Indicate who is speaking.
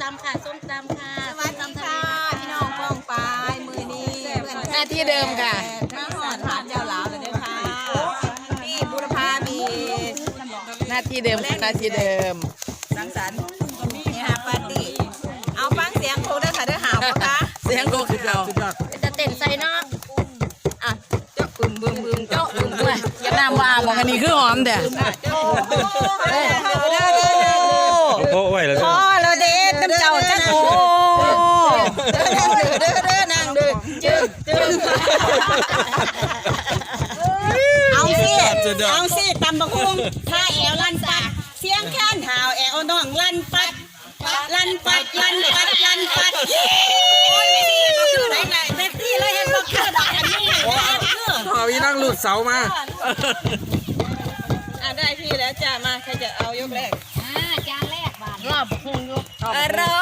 Speaker 1: ตำค่ะส้มตำค่ะ
Speaker 2: สวัสดีค่ะพี่น้องป้องปายมือนี้หน้าที่เดิมค่ะมาหอดถามเจ้าหลาวเลยด้วยค่ะพี่บุรพามีหน้าที่เดิมหน้าที่เดิมสังสรรค์นี่ฮะปาร์ตี้เอาฟังเสียงครูได้ค่ะได้หาวปะคะเสียงครูคือเรา
Speaker 1: จะเต้นใส่เนาะ
Speaker 2: อ่ะเจ้าบึมบึมบึมเจ้าบึมบึมอย่าน้ำว่าบอกอันนี้คือหอมเด้อ
Speaker 3: โอ้ไหวแล้ว
Speaker 2: พอแล้วเด้ตั้งเจ้าจังโอ้นั่งดื้อจึ๊กเอาสิตำบักหุ่งถ้าแอวลั่นปัดเสียงแค้นหาวแอวน้องลั่นปัดลั่นปัดลั่นปัดลั่นปัดโอ้ยไม่ดีก็คือไหนไหนเซ็กซี่เลยเห็นบอกคือดอกอันนี้
Speaker 3: พอพี่นั่งหลุดเสามา
Speaker 2: ได้พี่แล้วจ้ามาใครจะเอายกแรก
Speaker 1: จานแรกบาทรอบพุงยก
Speaker 2: อร่อ